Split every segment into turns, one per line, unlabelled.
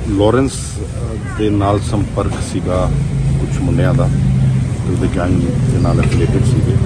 Lawrence ਦੇ ਨਾਲ ਸੰਪਰਕ ਸੀਗਾ ਕੁਝ ਮੁੰਡਿਆਂ ਦਾ, ਉਹਦੇ ਗੈਂਗ ਦੇ ਨਾਲ ਐਫੀਲੀਏਟਡ ਸੀਗੇ।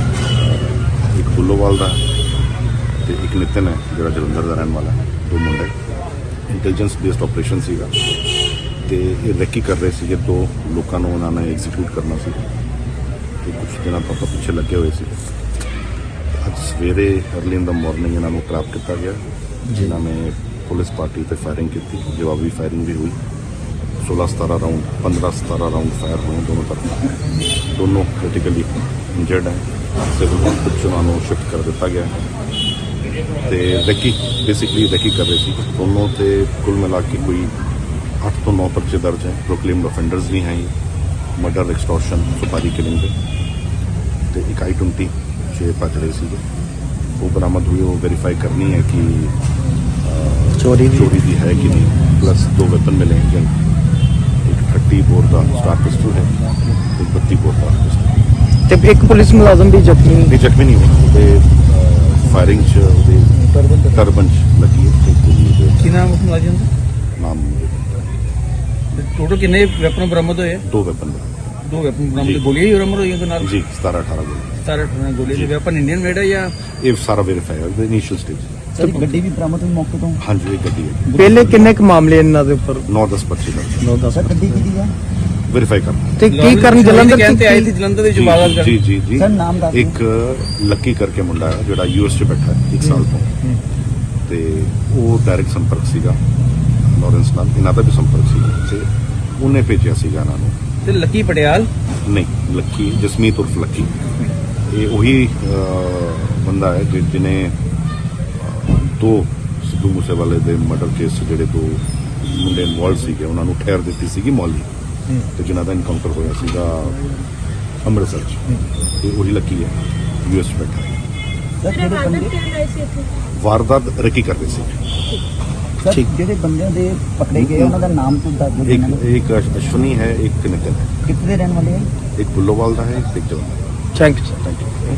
ਇੱਕ ਬੁੱਲੋਵਾਲ ਦਾ ਤੇ ਇੱਕ ਨਿਤਨ ਹੈ ਜਿਹੜਾ ਜਲੰਧਰ ਦਾ ਰਹਿਣ ਵਾਲਾ, ਦੋ ਮੁੰਡੇ। ਇੰਟੈਲੀਜੈਂਸ ਬੇਸਡ ਆਪਰੇਸ਼ਨ ਸੀਗਾ ਤੇ ਇਹ ਰੈਕੀ ਕਰ ਰਹੇ ਸੀਗੇ, ਦੋ ਲੋਕਾਂ ਨੂੰ ਉਹਨਾਂ ਨੇ ਐਗਜ਼ੀਕਿਊਟ ਕਰਨਾ ਸੀ ਤੇ ਕੁਝ ਦਿਨਾਂ ਤੋਂ ਆਪਾਂ ਪਿੱਛੇ ਲੱਗੇ ਹੋਏ ਸੀ। ਅੱਜ ਸਵੇਰੇ ਅਰਲੀ ਇਨ ਦਾ ਮਾਰਨਿੰਗ ਇਹਨਾਂ ਨੂੰ ਟ੍ਰੈਪ ਕੀਤਾ ਗਿਆ, ਜਿਨ੍ਹਾਂ ਨੇ ਪੁਲਿਸ ਪਾਰਟੀ ਤੇ ਫਾਇਰਿੰਗ ਕੀਤੀ, ਜਵਾਬੀ ਫਾਇਰਿੰਗ ਵੀ ਹੋਈ। 16-17 ਰਾਊਂਡ 15-17 ਰਾਊਂਡ ਫਾਇਰ ਹੋਏ ਦੋਨੋਂ ਤਰਫ। ਦੋਨੋਂ ਕ੍ਰਿਟੀਕਲੀ ਇੰਜਰਡ ਹੈ, ਸਿਵਲ ਹਸਪਤਾਲ ਉਹਨਾਂ ਨੂੰ ਸ਼ਿਫਟ ਕਰ ਦਿੱਤਾ ਗਿਆ ਤੇ ਰੈਕੀ ਬੇਸਿਕਲੀ ਰੈਕੀ ਕਰ ਰਹੇ ਸੀ ਦੋਨੋਂ। ਤੇ ਕੁੱਲ ਮਿਲਾ ਕੇ ਕੋਈ 8 ਤੋਂ 9 ਪਰਚੇ ਦਰਜ ਹੈ, ਪ੍ਰੋਕਲੇਮਡ ਅਫੈਂਡਰਸ ਵੀ ਹੈ, ਮਰਡਰ, ਐਕਸਟੋਰਸ਼ਨ, ਸੁਪਾਰੀ ਕਿਲਿੰਗ ਦੇ। ਤੇ ਇੱਕ I-20 'ਚ ਭੱਜ ਰਹੇ ਸੀਗੇ, ਉਹ ਬਰਾਮਦ ਹੋਈ। ਉਹ ਵੈਰੀਫਾਈ ਕਰਨੀ ਹੈ ਕਿ ਚੋਰੀ ਦੀ ਹੈ ਕਿ ਨਹੀਂ। ਪਲੱਸ 2 ਵੈਪਨ ਮਿਲੇ हैं, एक 30 बोर का स्टार पिस्टल है, एक 32 बोर का पिस्टल।
ਤੇ ਇੱਕ ਪੁਲਿਸ ਮੁਲਾਜ਼ਮ ਵੀ ਜ਼ਖਮੀ
नहीं हुए, ਉਹਦੇ ਫਾਇਰਿੰਗ 'ਚ ਉਹਦੇ ਟਰਬਨ 'ਚ ਲੱਗੀ ਹੈ।
ਕੀ ਨਾਮ ਉਸ ਮੁਲਾਜ਼ਮ ਦਾ?
ਨਾਮ
ਟੋਟਲ ਕਿੰਨੇ ਵੈਪਨ ਬਰਾਮਦ ਹੋਏ?
2 ਵੈਪਨ
ਦੋ ਵੈਪਨ ਬਰਾਮਦ, ਗੋਲੀਆਂ ਹੀ ਬਰਾਮਦ ਹੋਈਆਂ ਨਾਲ
ਜੀ। 17-18 ਗੋਲੀ।
17 ਗੋਲੀ ਦੇ ਵੈਪਨ ਇੰਡੀਅਨ ਮੇਡ ਹੈ ਜਾਂ?
ਇਹ ਸਾਰਾ ਵੈਰੀਫਾਈ ਹੈ ਉਹਦੇ ਇਨੀਸ਼ੀਅਲ ਸਟੇਜ।
ਸਰ ਗੱਡੀ ਵੀ ਬਰਾਮਦ ਹੋਈ ਮੌਕੇ ਤੋਂ?
ਹਾਂਜੀ, ਇਹ ਗੱਡੀ ਹੈ।
ਪਹਿਲੇ ਕਿੰਨੇ ਕੁ ਮਾਮਲੇ ਇਹਨਾਂ ਦੇ ਉੱਪਰ?
9-10 ਪਰਚੇ ਦਰਜ।
9-10
ਸਰ ਗੱਡੀ ਕਿਹਦੀ ਹੈ?
ਵੈਰੀਫਾਈ ਕਰਨਾ।
ਤੇ ਕੀ ਕਰਨ ਜਲੰਧਰ
ਕਹਿੰਦੇ ਆਏ ਸੀ, ਜਲੰਧਰ ਦੇ ਜਵਾਬ ਕਰ?
ਜੀ
ਸਰ ਨਾਮ ਦੱਸ ਦਿਓ।
ਇੱਕ ਲੱਕੀ ਕਰਕੇ ਮੁੰਡਾ ਹੈ ਜਿਹੜਾ US 'ਚ ਬੈਠਾ ਹੈ 1 ਸਾਲ ਤੋਂ, ਤੇ ਉਹ ਡਾਇਰੈਕਟ ਸੰਪਰਕ ਸੀਗਾ ਲਾਰੈਂਸ ਨਾਲ, ਇਹਨਾਂ ਦਾ ਵੀ ਸੰਪਰਕ ਸੀਗਾ ਤੇ ਉਹਨੇ ਭੇਜਿਆ ਸੀਗਾ ਇਹਨਾਂ ਨੂੰ।
ਤੇ ਲੱਕੀ ਪਟਿਆਲ
ਨਹੀਂ, ਲੱਕੀ ਜਸਮੀਤ ਉਰਫ ਲੱਕੀ, ਇਹ ਉਹੀ ਬੰਦਾ ਹੈ ਜਿਹਨੇ 2 ਸਿੱਧੂ ਮੂਸੇਵਾਲੇ ਦੇ ਮਰਡਰ ਕੇਸ 'ਚ ਜਿਹੜੇ 2 ਮੁੰਡੇ ਇਨਵੋਲਵ ਸੀਗੇ ਉਹਨਾਂ ਨੂੰ ਠਹਿਰ ਦਿੱਤੀ ਸੀਗੀ ਮੌਲੀ, ਤੇ ਜਿਨ੍ਹਾਂ ਦਾ ਇਨਕਾਊਂਟਰ ਹੋਇਆ ਸੀਗਾ ਅੰਮ੍ਰਿਤਸਰ 'ਚ। ਇਹ ਉਹੀ ਲੱਕੀ ਹੈ, US 'ਚ ਬੈਠਾ ਹੈ।
ਸਰ ਜਿਹੜੇ ਬੰਦੇ
ਵਾਰਦਾਤ ਰੈਕੀ ਕਰਦੇ ਸੀ।
ਸਰ ਜਿਹੜੇ ਬੰਦਿਆਂ ਦੇ ਪਕੜੇ ਗਏ ਉਹਨਾਂ ਦਾ ਨਾਮ ਤੋਂ ਦੱਸ ਦਿਓ।
ਇੱਕ ਅਸ਼ਵਨੀ ਹੈ, ਇੱਕ ਨਿਤਨ ਹੈ।
ਕਿੱਥੇ ਦੇ ਰਹਿਣ ਵਾਲੇ ਹੈ?
ਇੱਕ ਬੁੱਲੋਵਾਲ ਦਾ ਹੈ, ਇੱਕ ਜਲੰਧਰ ਦਾ।
Thank you.
Thank you.